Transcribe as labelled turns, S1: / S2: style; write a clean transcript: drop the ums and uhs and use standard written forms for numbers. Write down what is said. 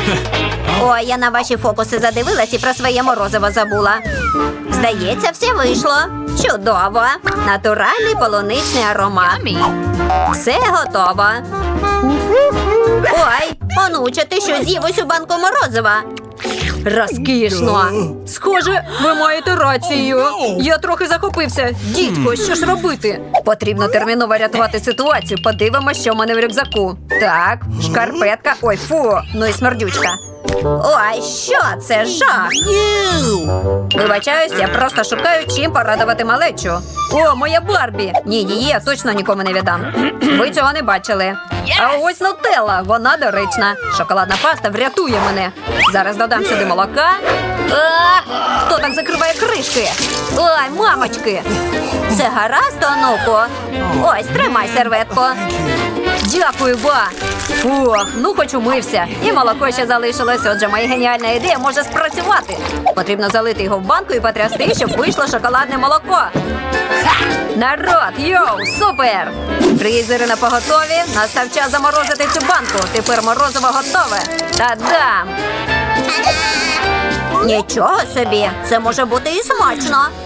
S1: Ой, я на ваші фокуси задивилась і про своє морозиво забула. Здається, все вийшло. Чудово. Натуральний полуничний аромат. Все готово. Ой, онуче, ти що з'їв усю банку морозива? Розкішно. Схоже, ви маєте рацію. Я трохи захопився. Дідько, що ж робити? Потрібно терміново рятувати ситуацію. Подивимося, що в мене в рюкзаку. Так, шкарпетка. Ой, фу, ну і смердючка. Ой, що це? Жах! Вибачаюсь, я просто шукаю, чим порадувати малечу. О, моя Барбі! Ні, її я точно нікому не віддам. Ви цього не бачили. А ось нутелла, вона доречна. Шоколадна паста врятує мене. Зараз додам сюди молока. Хто так закриває кришки? Ой, мамочки! Це гаразд, онуку? Ось, тримай серветку. Дякую, ба! Фух, ну хоч умився. І молоко ще залишилось, отже моя геніальна ідея може спрацювати. Потрібно залити його в банку і потрясти, щоб вийшло шоколадне молоко. Народ, йоу, супер! Фрізери на поготові. Настав час заморозити цю банку. Тепер морозиво готове. Та-дам! Нічого собі, це може бути і смачно.